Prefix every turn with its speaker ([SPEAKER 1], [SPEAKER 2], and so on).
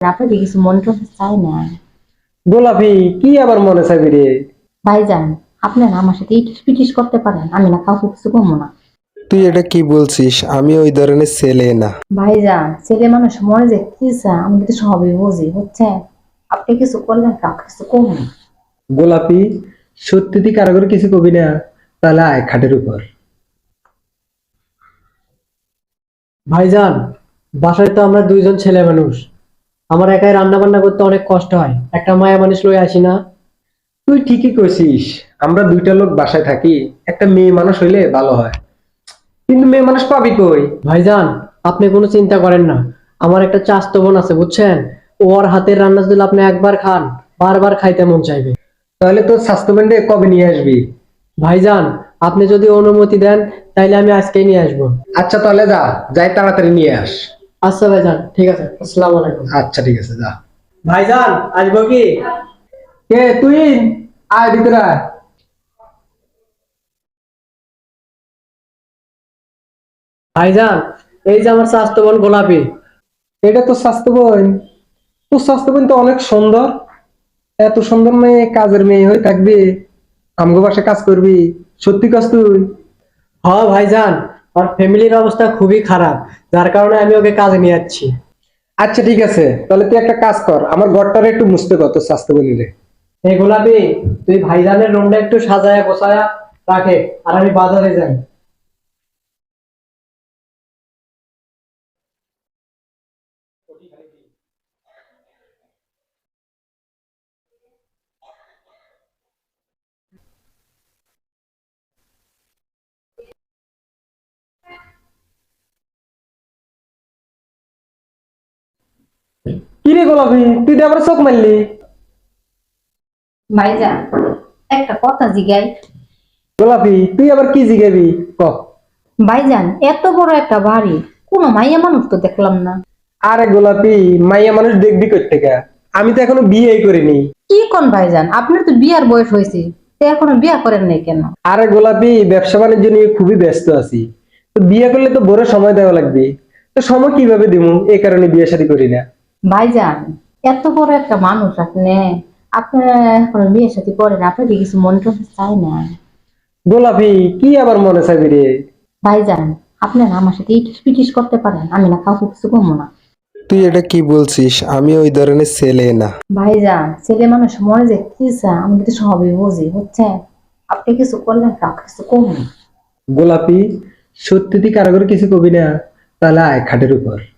[SPEAKER 1] আপনাকে কিছু মনে করতে চাই না।
[SPEAKER 2] গোলাপি কি আবার মনে চাইবি রে?
[SPEAKER 1] ভাইজান, আপনি না আমার সাথে ইটিস পিটিস করতে পারেন, আমি না কাউকে কিছু কমো না।
[SPEAKER 3] তুই এটা কি বলছিস? আমি ওই ধরনের ছেলে না।
[SPEAKER 1] ভাইজান, ছেলে মানুষ মনে যে কি চায় আমি কিন্তু সবই বুঝি, বুঝছেন? আপনি কিছু করলেন, কাউকে কিছু কমো না।
[SPEAKER 2] গোলাপি সত্যি তুই কারো করে কিছু কবি না? তাহলে আয় খাটের উপর।
[SPEAKER 4] ভাইজান, বাসায় তো আমরা দুইজন ছেলে মানুষ। আমার একাই রান্না বান্না করতে অনেক কষ্ট হয়, একটা মায়া মানুষ লই আসি না।
[SPEAKER 2] তুই ঠিকই কইছিস, আমরা দুইটা লোক বাসায় থাকি, একটা মেয়ে মানুষ হইলে ভালো হয়, কিন্তু মেয়ে মানুষ পাবি কই?
[SPEAKER 4] ভাইজান, আপনি কোনো চিন্তা করেন না। আমার একটা চাচাতো বোন আছে, বুঝছেন? ওর হাতের রান্না যদি আপনি একবার খান, বারবার খাইতে মন চাইবে।
[SPEAKER 2] তাহলে তোর স্বাস্থ্যবেন্ডে কবে নিয়ে আসবি?
[SPEAKER 4] ভাইজান, আপনি যদি অনুমতি দেন তাইলে আমি আজকেই নিয়ে আসবো।
[SPEAKER 2] আচ্ছা তাহলে যা, যাই তাড়াতাড়ি নিয়ে আস।
[SPEAKER 4] আচ্ছা ভাইজান, ঠিক আছে, আসসালামু আলাইকুম।
[SPEAKER 2] আচ্ছা ঠিক আছে, যা।
[SPEAKER 4] ভাইজান, আসবো কি?
[SPEAKER 2] কে তুই? আয় ভিতরে আয়।
[SPEAKER 4] ভাইজান, এই যে আমার চাচাতো বোন গোলাপি।
[SPEAKER 2] এটা তো স্বাস্থ্যবোন। তোর স্বাস্থ্যবোন তো অনেক সুন্দর। এত সুন্দর মেয়ে কাজের মেয়ে হয়ে থাকবি, আমগো বাসায় কাজ করবি? সত্যি কাজ তুই?
[SPEAKER 4] হ্যাঁ ভাইজান, ওর ফ্যামিলির অবস্থা খুবই খারাপ, যার কারণে আমি ওকে কাজে নিয়ে যাচ্ছি।
[SPEAKER 2] আচ্ছা ঠিক আছে, তাহলে তুই একটা কাজ কর, আমার ঘরটারে একটু মুছতে কর তোর স্বাস্থ্যবোনের।
[SPEAKER 4] এই গোলাপি, তুই ভাইজানের রুমটা একটু সাজায়া গোছায়া রাখে, আর আমি বাজারে যাই।
[SPEAKER 2] কি রে গোলাপি, তুই তো আবার চোখ মারলি?
[SPEAKER 1] ভাইজান, একটা কথা জিগাই।
[SPEAKER 2] গোলাপি তুই আবার কি জিগাবি? ক।
[SPEAKER 1] ভাইজান, এত বড় একটা বাড়ি, কোনো মাইয়া মানুষ তো দেখলাম না।
[SPEAKER 2] আরে গোলাপি, মাইয়া মানুষ দেখবি কই থেকে? আমি তো এখনো বিয়েই করিনি।
[SPEAKER 1] কি কোন ভাইজান, আপনার তো বিয়ার বয়স হয়েছে, তো এখনো বিয়া করেন নাই কেন?
[SPEAKER 2] আরে গোলাপি, ব্যবসা বাণিজ্য নিয়ে খুবই ব্যস্ত আছি। তো বিয়ে করলে তো বড় সময় দেওয়া লাগবে। তো সময় কিভাবে দিমু, এই কারণে বিয়ে শাদী করি না।
[SPEAKER 1] ভাইজান, এত বড় একটা মানুষ আপনি, আপনার এখনো বিয়ের সাথে করেন, আপনাকে কিছু মনে করতে চাই না।
[SPEAKER 2] গোলাপি কি আবার মনে চাইবি রে?
[SPEAKER 1] ভাইজান, আপনি না আমার সাথে ইটিস পিটিস করতে পারেন, আমি না কাউকে কিছু কমো না।
[SPEAKER 3] তুই এটা কি বলছিস? আমি ওই ধরনের ছেলে না।
[SPEAKER 1] ভাইজান, ছেলে মানুষ মনে যে কি চায় আমি কিন্তু সবই বুঝি, বুঝছেন? আপনি কিছু করলেন, কাউকে কিছু কমো না।
[SPEAKER 2] গোলাপি সত্যি তুই কারো করে কিছু কবি না? তাহলে আয় খাটের উপর।